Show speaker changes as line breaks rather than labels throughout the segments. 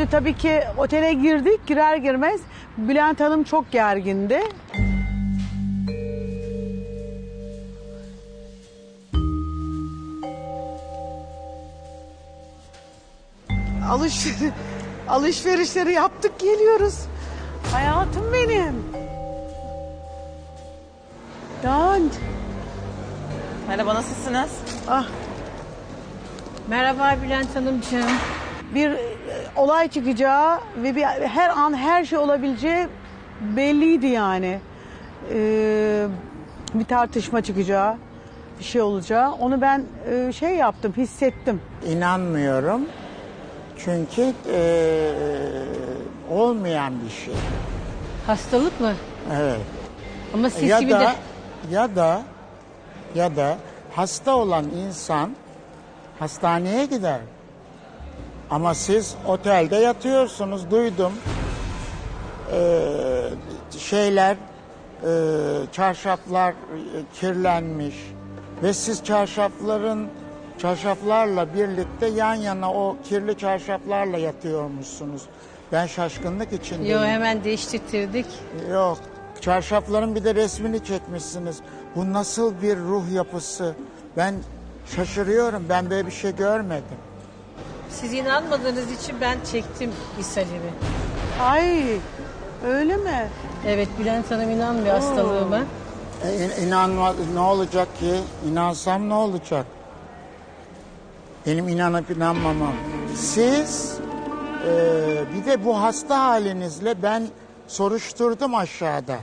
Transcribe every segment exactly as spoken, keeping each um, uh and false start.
Şimdi tabii ki otele girdik. Girer girmez Bülent Hanım çok gergindi. Alış, alışverişleri yaptık geliyoruz. Hayatım benim. Dan.
Merhaba, nasılsınız?
Ah,
Merhaba Bülent Hanımcığım.
bir e, olay çıkacağı ve bir, her an her şey olabileceği belliydi yani. Ee, bir tartışma çıkacağı, bir şey olacağı. Onu ben e, şey yaptım, hissettim.
İnanmıyorum. Çünkü eee, olmayan bir şey.
Hastalık mı?
Evet.
Ama siz
Ya
şimdi
da
de...
ya da ya da hasta olan insan hastaneye gider. Ama siz otelde yatıyorsunuz. Duydum. Eee, şeyler eee, çarşaflar e, kirlenmiş ve siz çarşafların çarşaflarla birlikte yan yana o kirli çarşaflarla yatıyormuşsunuz. Ben şaşkınlık içindeyim.
Yo, hemen değiştirdik.
Yok. Çarşafların bir de resmini çekmişsiniz. Bu nasıl bir ruh yapısı? Ben şaşırıyorum. Ben böyle bir şey görmedim.
Siz inanmadığınız için ben çektim ishalimi.
Ay, öyle mi?
Evet, Bülent Hanım inanmıyor hastalığıma.
E, in- inanma, ne olacak ki? İnansam ne olacak? Benim inanıp inanmamam. Siz e, bir de bu hasta halinizle ben soruşturdum aşağıda.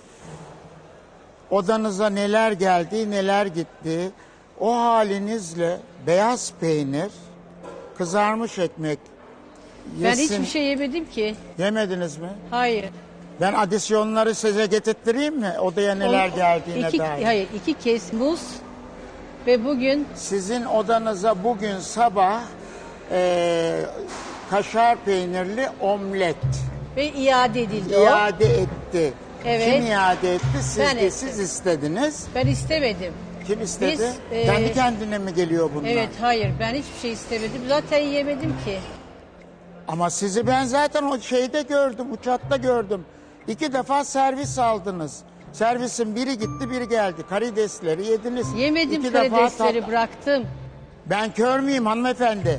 Odanıza neler geldi, neler gitti. O halinizle beyaz peynir, kızarmış ekmek
Ben
yesin.
hiçbir şey yemedim ki.
Yemediniz mi?
Hayır.
Ben adisyonları size getirttireyim mi? Odaya neler
O-
geldiğine
iki,
dair.
Hayır, iki kez muz ve bugün
Sizin odanıza bugün sabah eee, kaşar peynirli omlet
ve iade edildi o.
iade etti.
Evet.
Kim iade etti? Siz
Ben
de
ettim.
siz istediniz.
Ben istemedim.
Kim istedi?
Biz, eee,
Kendi kendine mi geliyor bunlar?
Evet, hayır, ben hiçbir şey istemedim. Zaten yemedim ki.
Ama sizi ben zaten o şeyde gördüm, uçakta gördüm. İki defa servis aldınız. Servisin biri gitti, biri geldi. Karidesleri yediniz.
Yemedim,
İki defa
karidesleri
tat-
bıraktım.
Ben kör müyüm hanımefendi?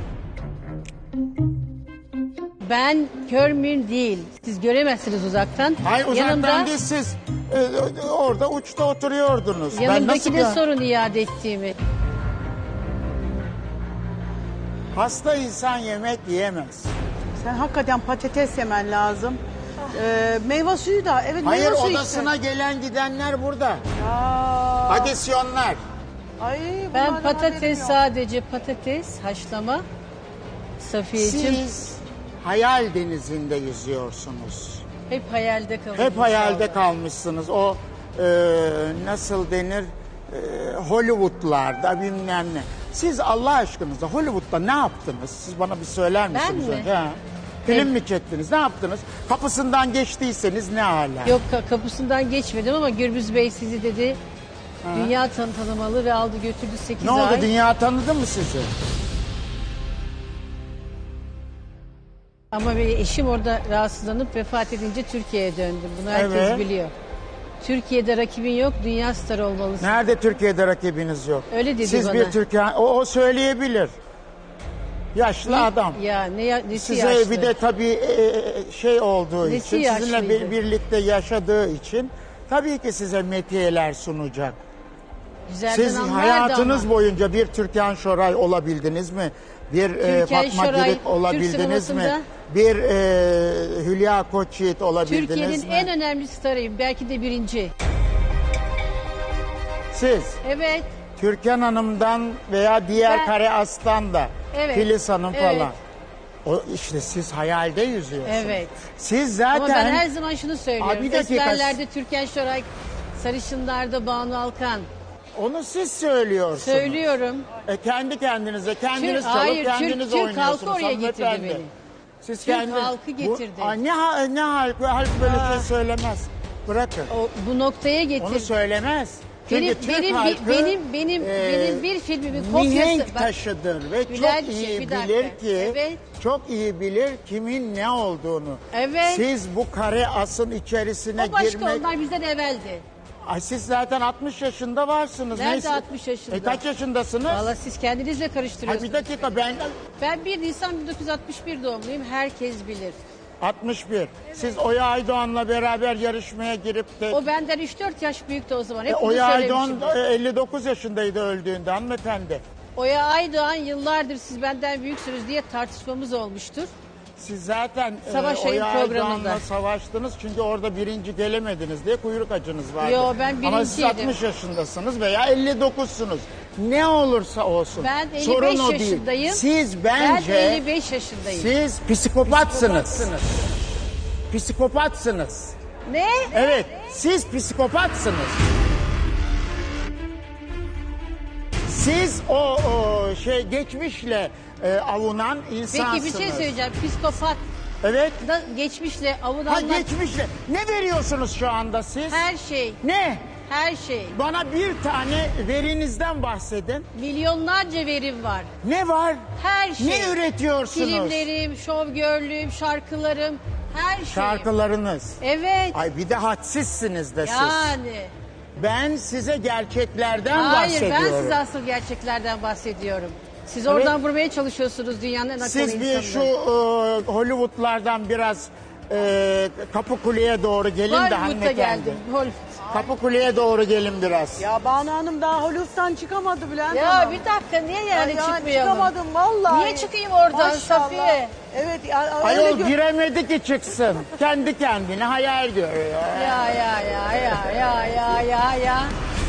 Ben kör müyüm değil. Siz göremezsiniz uzaktan.
Hayır uzaktan
Yanımda,
değil siz. e, orada uçta oturuyordunuz. Ben
yanımdaki
nasıl
de
bir-
sorun iade ettiğimi.
Hasta insan yemek yiyemez.
Sen hakikaten patates yemen lazım. Ee, meyve suyu da, evet
Hayır
meyve suyu
odasına gelen gidenler burada.
işte. Aa,
Adisyonlar.
ay,
Ben
bunlardan haberim
patates
yok.
sadece patates haşlama. Safiyeciğim
Siz hayal denizinde yüzüyorsunuz.
hep hayalde kalıyor.
Hep hayalde kalmışsınız. O e, nasıl denir? E, Hollywood'larda bilmem ne. Siz Allah aşkınıza Hollywood'da ne yaptınız? Siz bana bir söyler
Ben
misiniz?
mi?
önce? Ha. Film
Evet.
mi çektiniz? Ne yaptınız? Kapısından geçtiyseniz ne hala?
Yok, ka- kapısından geçmedim ama Gürbüz Bey sizi dedi. Dünya tan- tanımalı ve aldı götürdü sekiz
Ne
ay.
oldu? Dünya tanıdı mı sizi?
Ama benim eşim orada rahatsızlanıp vefat edince Türkiye'ye döndüm. Bunu herkes
Evet.
biliyor. Türkiye'de rakibin yok, dünya starı olmalısın.
Nerede Türkiye'de rakibiniz yok?
Öyle dedi
Siz
bana.
bir Türkiye, o, o söyleyebilir. Yaşlı adam.
Ya ne ya, nesi
Size
yaşlı?
bir de tabii e, şey olduğu
Nesi
için, sizinle
yaşlıydı?
bir, birlikte yaşadığı için tabii ki size metiyeler sunacak.
Güzelden
Siz
anlardı
hayatınız
ama.
boyunca bir Türkan Şoray olabildiniz mi? Bir e,
Türkan
Fatma
Şoray,
Girik olabildiniz
Türk
mi?
sinemasında-
Bir e, Hülya Koçyiğit olabildiniz
Türkiye'nin
mi?
en önemli starıyım. Belki de birinci.
Siz
Evet.
Türkan Hanım'dan veya diğer
Ben-
Kare Aslan da
Evet,
Filiz Hanım
evet.
falan. O işte siz hayalde yüzüyorsunuz.
Evet.
Siz zaten
Ama ben her zaman şunu söylüyorum.
Aa, bir dakika.
Esmerlerde Türkan Şoray, sarışınlarda Banu Alkan.
onu siz söylüyorsunuz.
Söylüyorum.
E, kendi kendinize, kendiniz
Türk-
çalıp
hayır,
kendiniz
Türk- Türk
oynuyorsunuz.
halkı oraya getirdi
hanımefendi.
beni.
Siz
Türk
kendi-
halkı getirdi.
Bu, Aa, ne, ha- ne halk, halk böyle şey söylemez. Bırakın.
O, bu noktaya
Onu
getirdi.
söylemez. Çünkü
Benim
Türk
benim
halkı,
benim benim
e,
benim bir filmimin kopyası.
mihenk
Bak,
taşıdır ve çok
Bülentciğim,
iyi
bir dakika.
bilir ki
Evet.
çok iyi bilir kimin ne olduğunu.
Evet.
Siz bu kare asın içerisine
o başka,
girmek...
onlar bizden evveldi.
Ay siz zaten altmış yaşında varsınız.
Nerede
Neyse.
altmış yaşında?
E kaç yaşındasınız?
Valla siz kendinizle
Ay
karıştırıyorsunuz.
bir dakika ben
Ben bir Nisan bin dokuz yüz altmış bir doğumluyum. Herkes bilir.
altmış bir. Siz Oya Aydoğan'la beraber yarışmaya girip de...
O benden üç dört yaş büyüktü o zaman. Hep
E,
bunu
Oya Aydoğan
söylemişimdir.
e, elli dokuz yaşındaydı öldüğünde hanımefendi.
Oya Aydoğan yıllardır siz benden büyüksünüz diye tartışmamız olmuştur.
Siz zaten e,
Savaş Ayın
Oya
programında.
Aydoğan'la savaştınız çünkü orada birinci gelemediniz diye kuyruk acınız vardı.
Yo, ben
Ama siz
birinciydim.
altmış yaşındasınız veya elli dokuzsunuz. Ne olursa olsun.
Ben elli beş
Sorun o
yaşındayım.
değil. Siz bence...
Ben elli beş yaşındayım.
Siz psikopatsınız. Psikopatsınız.
Ne?
Evet, siz psikopatsınız. Siz o, o şey geçmişle e, avunan insansınız.
Peki bir şey söyleyeceğim. Psikopat
Evet.
da geçmişle
Ha
avunanlar
geçmişle. Ne veriyorsunuz şu anda siz?
her şey,
Ne?
her şey.
Bana bir tane verinizden bahsedin.
Milyonlarca verim var.
Ne var?
Her şey.
Ne üretiyorsunuz?
Filmlerim, şovgörlüğüm, şarkılarım, her şey.
Şarkılarınız.
Evet.
Ay bir de hadsizsiniz de siz.
Yani.
Ben size gerçeklerden
Hayır,
bahsediyorum.
ben size asıl gerçeklerden bahsediyorum. Siz oradan vurmaya çalışıyorsunuz dünyanın en akıllı
Siz bir şu
insanları.
e, Hollywood'lardan biraz e, Kapıkule'ye doğru gelin de
Hollywood'a
hanımefendi.
geldim. Hol-
Kapıkule'ye doğru gelin biraz.
Ya Banu Hanım daha Hollywood'dan çıkamadı Bülent
Ya
Hanım.
bir dakika niye yani
Ay, yani
çıkmayalım?
çıkamadım vallahi.
Niye çıkayım oradan
Maşallah.
Safiye?
Evet. Ya, öyle
Ayol
gö-
giremedi ki çıksın. Kendi kendine hayal görüyor.
Ya ya ya ya ya ya ya ya.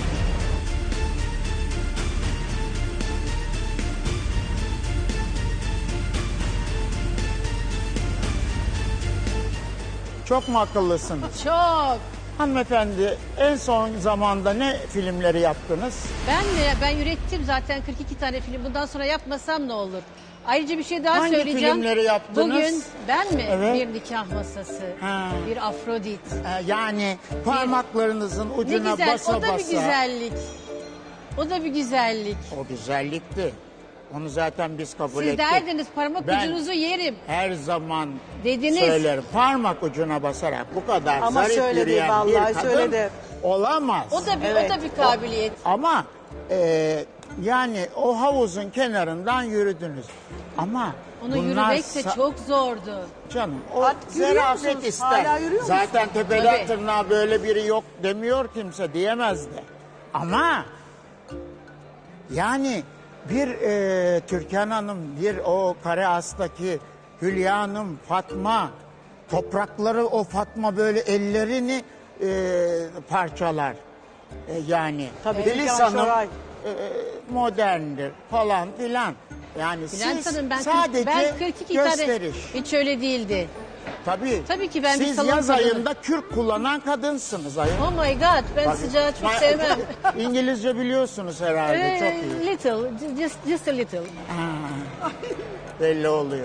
Çok mu akıllısınız?
Çok.
Hanımefendi en son zamanda ne filmleri yaptınız?
Ben de ben ürettim zaten kırk iki tane film. Bundan sonra yapmasam ne olur? Ayrıca bir şey daha
Hangi
söyleyeceğim.
filmleri yaptınız?
Bugün ben mi?
Evet.
Bir nikah masası,
Ha.
bir Afrodit.
Ee, yani parmaklarınızın
Ne
ucuna
güzel,
basa
o da
basa.
bir güzellik. O da bir güzellik.
O güzellikti. Onu zaten biz kabul
Siz
ettik.
derdiniz parmak
Ben-
ucunuzu yerim.
Her zaman
Dediniz.
söylerim. Parmak ucuna basarak bu kadar
Ama
zarif
söyledi,
yürüyen bir
vallahi
kadın
söyledi.
olamaz.
O da bir
Evet.
o da bir kabiliyet.
Ama e, yani o havuzun kenarından yürüdünüz. Ama
Onu
bunlar
yürümek de
sa-
çok zordu.
Canım o
Artık yürüyor
zarafet
musunuz?
ister.
Hala yürüyor
Zaten tepeden
Tabii.
tırnağa böyle biri yok demiyor kimse diyemez de. Ama yani bir e, Türkan Hanım, bir o Kare As'taki Hülya Hanım, Fatma, toprakları o Fatma böyle ellerini e, parçalar. E, yani
Tabii,
Filiz
Türkan
Hanım
Şoray.
e, moderndir falan filan. Yani
Bülent
siz
Hanım ben,
sadece
ben kırk iki
gösteriş.
tane hiç öyle değildi.
Tabii.
Tabii ki ben bir
Siz
salon
yaz
kadını.
ayında kürk kullanan kadınsınız ayol.
Oh my god ben
Bak-
sıcağı çok
Ma-
sevmem.
İngilizce biliyorsunuz herhalde
Ee,
çok iyi.
little, just, just a little.
Ha, belli oluyor.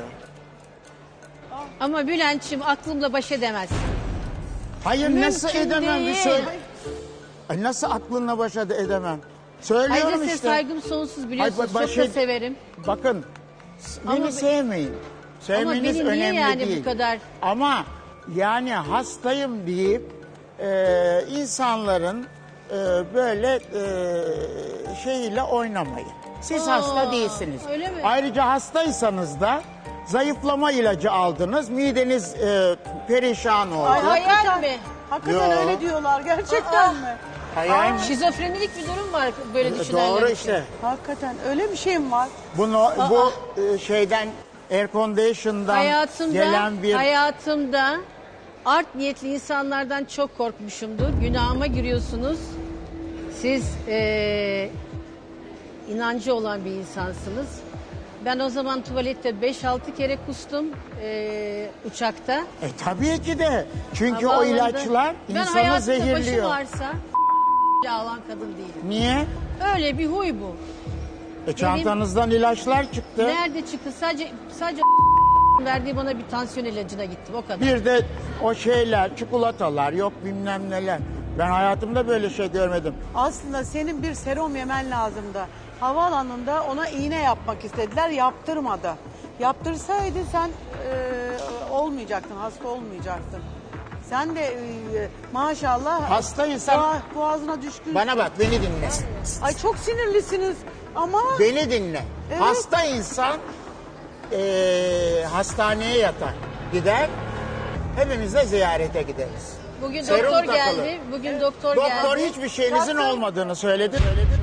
Ama Bülent'ciğim aklımla baş edemez.
Hayır
Mümkün
nasıl edemem bir
değil.
söyle. Ay, nasıl aklınla başa edemem. Söylüyorum
Ayrıca size
işte.
saygım sonsuz biliyorsunuz.
Ay, ba-
çok da
başı-
severim.
Bakın s-
Ama
beni
be-
sevmeyin. Sevmeniz
beni niye
önemli
yani bu
değil.
kadar-
Ama yani hastayım deyip e, insanların e, böyle e, şeyiyle oynamayın. Siz
Aa,
hasta değilsiniz.
öyle mi?
Ayrıca hastaysanız da zayıflama ilacı aldınız. Mideniz e, perişan oldu.
Ay, hayal
hakikaten-
mi?
Hakikaten
Yo.
öyle diyorlar gerçekten
Aa.
mi?
Hayal mi?
Şizofrenilik bir durum var böyle düşünenler
Doğru
için.
işte.
Hakikaten öyle bir şey mi var?
Bunu bu e, şeyden air condition'dan
Hayatımda,
gelen bir
hayatımda art niyetli insanlardan çok korkmuşumdur. Günahıma giriyorsunuz. Siz eee, inancı olan bir insansınız. Ben o zaman tuvalette beş altı kere kustum eee, uçakta.
E tabii ki de. Çünkü o
Havaalanında.
ilaçlar
Ben
insanı
hayatımda başı
zehirliyor.
varsa alan kadın değilim.
Niye?
Öyle bir huy bu.
E çantanızdan ilaçlar çıktı.
Nerede çıktı? Sadece sadece verdiği bana bir tansiyon ilacına gittim o kadar.
Bir de o şeyler, çikolatalar, yok bilmem neler. Ben hayatımda böyle şey görmedim.
Aslında senin bir serum yemen lazımdı. Havaalanında ona iğne yapmak istediler, yaptırmadı. Yaptırsaydı sen e, olmayacaktın, hasta olmayacaktın. Sen de e, maşallah
Hastaysan-
boğa- boğazına düşkün.
Bana bak, beni dinle.
Ay çok sinirlisiniz ama
Beni dinle.
Evet.
Hasta insan eee, hastaneye yatar. Gider. Hepimiz de ziyarete gideriz.
Bugün
Serum
doktor
takılı.
geldi. Bugün doktor,
Doktor
geldi.
hiçbir şeyinizin
Taktım.
olmadığını söyledi. söyledi.